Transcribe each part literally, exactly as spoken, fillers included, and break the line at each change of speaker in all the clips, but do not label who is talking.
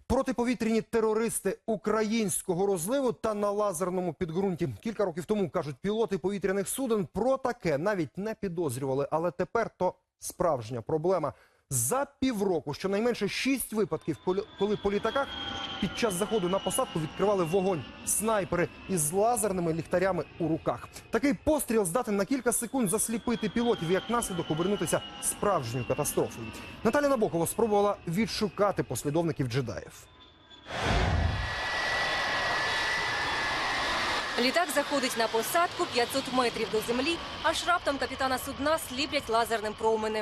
Протиповітряні терористи українського розливу та на лазерному підґрунті. Кілька років тому, кажуть, пілоти повітряних суден про таке навіть не підозрювали. Але тепер то справжня проблема. За півроку щонайменше шість випадків, коли по літаках під час заходу на посадку відкривали вогонь снайпери із лазерними ліхтарями у руках. Такий постріл здатен на кілька секунд засліпити пілотів і як наслідок обернутися справжньою катастрофою. Наталя Набокова спробувала відшукати послідовників джедаїв.
Літак заходить на посадку п'ятсот метрів до землі, аж раптом капітана судна сліплять лазерним променем.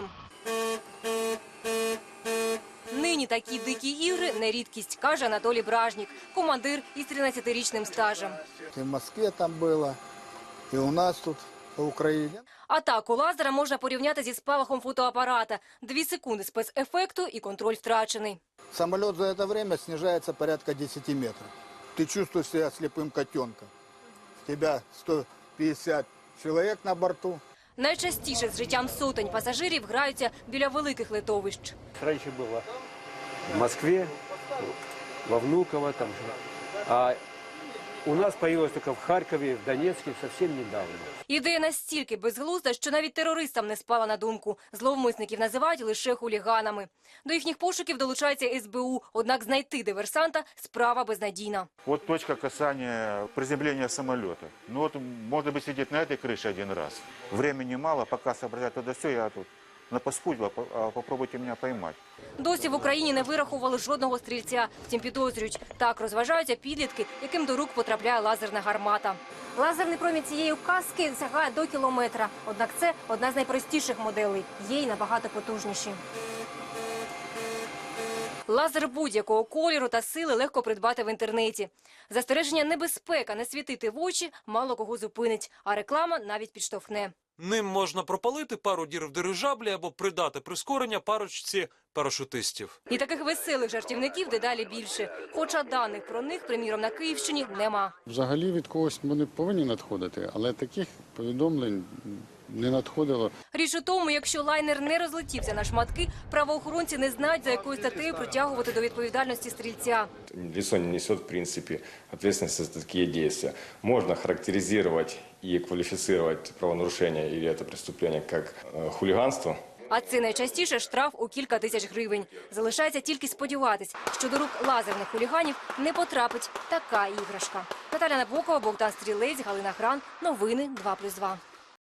Нині такі дикі ігри не рідкість, каже Анатолій Бражнік, командир із тринадцятирічним стажем.
І в Москві там було, і у нас тут, в Україні.
Атаку лазера можна порівняти зі спалахом фотоапарата. Дві секунди спецефекту і контроль втрачений.
Самоліт за це час знижається порядка десяти метрів. Ти чувствуєш себе сліпим котенком. У тебе сто п'ятдесят чоловік на борту.
Найчастіше з життям сотень пасажирів граються біля великих литовищ.
Раніше було в Москві, во Внуково, там, а у нас з'явилось тільки в Харкові, в Донецьку зовсім недавно.
Ідея настільки безглузда, що навіть терористам не спала на думку. Зловмисників називають лише хуліганами. До їхніх пошуків долучається ес бе у, однак знайти диверсанта – справа безнадійна.
Вот точка касания приземления самолета. Ну вот, может быть, сидеть на этой крыше один раз. Времени мало, пока соображать туда все, я тут на паскудьба, попробуйте меня поймать.
Досі в Україні не вирахували жодного стрільця. Втім, підозрюють, так розважаються підлітки, яким до рук потрапляє лазерна гармата. Лазерний промінь цієї каски сягає до кілометра. Однак це одна з найпростіших моделей. Є й набагато потужніші. Лазер будь-якого кольору та сили легко придбати в інтернеті. Застереження небезпека не світити в очі мало кого зупинить, а реклама навіть підштовхне.
Ним можна пропалити пару дір в дирижаблі або придати прискорення парочці парашутистів.
І таких веселих жартівників дедалі більше. Хоча даних про них, приміром, на Київщині нема.
Взагалі від когось вони повинні надходити, але таких повідомлень не надходило.
Річ у тому, якщо лайнер не розлетівся на шматки, правоохоронці не знають, за якою статтею притягувати до відповідальності стрільця.
Лицо не несет, в принципе, ответственности за такие действия. Можно характеризировать и квалифицировать правонарушение или это преступление как э, хулиганство.
А це найчастіше штраф у кілька тисяч гривень. Залишається тільки сподіватись, що до рук лазерних хуліганів не потрапить така іграшка. Наталя Набокова, Богдан Стрілець, Галина Гран. Новини два плюс два.